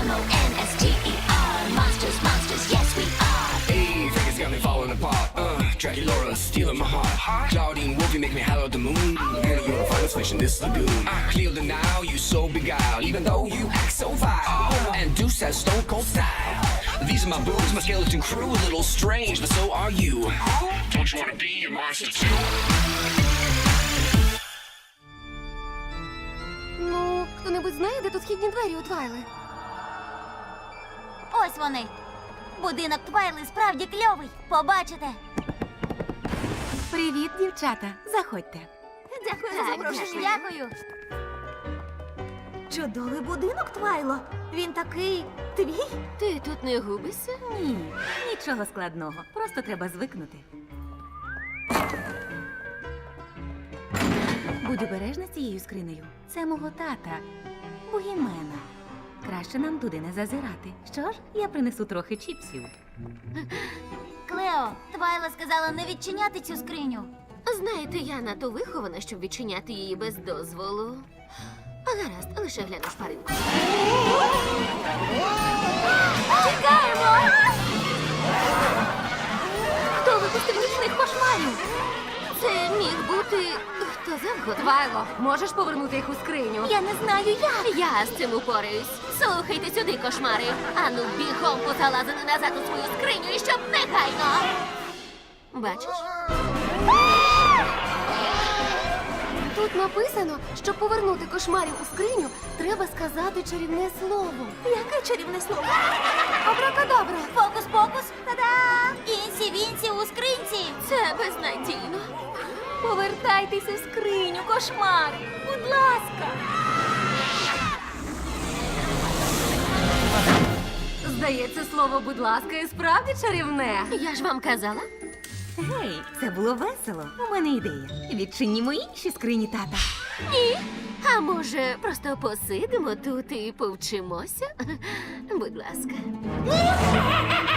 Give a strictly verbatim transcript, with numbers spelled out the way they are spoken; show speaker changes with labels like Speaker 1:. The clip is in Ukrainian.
Speaker 1: M O N S T E R. Monsters, monsters, yes we are.
Speaker 2: Hey, Vegas got me falling apart. Uh, Dracula stealing my heart. Claudine Wolfie make me holler at the moon. And you're a finest fish in this lagoon. Clear the now, you so beguiled. Even though you act so vile. And Deuce has stone cold style. These are my boobs, my skeleton crew. A little strange, but so are you. Don't you wanna be a monster too?
Speaker 3: Ну, хто-небудь знає, де тут східні двері у Твайли?
Speaker 4: Ось вони. Будинок Твайли справді кльовий. Побачите.
Speaker 5: Привіт, дівчата. Заходьте.
Speaker 3: Дякую за запрошення.
Speaker 4: Дякую.
Speaker 3: Чудовий будинок, Твайло. Він такий твій?
Speaker 5: Ти тут не губишся? Ні, нічого складного. Просто треба звикнути. Будь обережна з цією скринею. Це мого тата, Бугімена. Краще нам туди не зазирати. Що ж, я принесу трохи чіпсів.
Speaker 4: Клео, Твайла сказала не відчиняти цю скриню.
Speaker 6: Знаєте, я надто вихована, щоб відчиняти її без дозволу. Гаразд, лише гляну шпаринку.
Speaker 4: Тікаємо!
Speaker 6: Хто випустив нічних кошмарів? Це міг бути хто завгодно.
Speaker 5: Твайло, можеш повернути їх у скриню?
Speaker 4: Я не знаю як.
Speaker 6: Я з цим упораюсь. Слухайте сюди, кошмари. Ану, бігом позалазили назад у свою скриню і щоб негайно. Бачиш?
Speaker 3: Тут написано, щоб повернути кошмарів у скриню, треба сказати чарівне слово. Яке чарівне слово? Абракадабра.
Speaker 4: Фокус-покус. Та-да! Інсі-вінсі у скринці.
Speaker 6: Це безнадійно.
Speaker 5: Повертайтеся в скриню, кошмар! Будь ласка! Здається, слово «будь ласка» і справді чарівне.
Speaker 6: Я ж вам казала.
Speaker 5: Гей, це було весело. У мене ідея. Відчинімо інші скрині тата.
Speaker 6: Ні. А може, просто посидимо тут і повчимося? Будь ласка.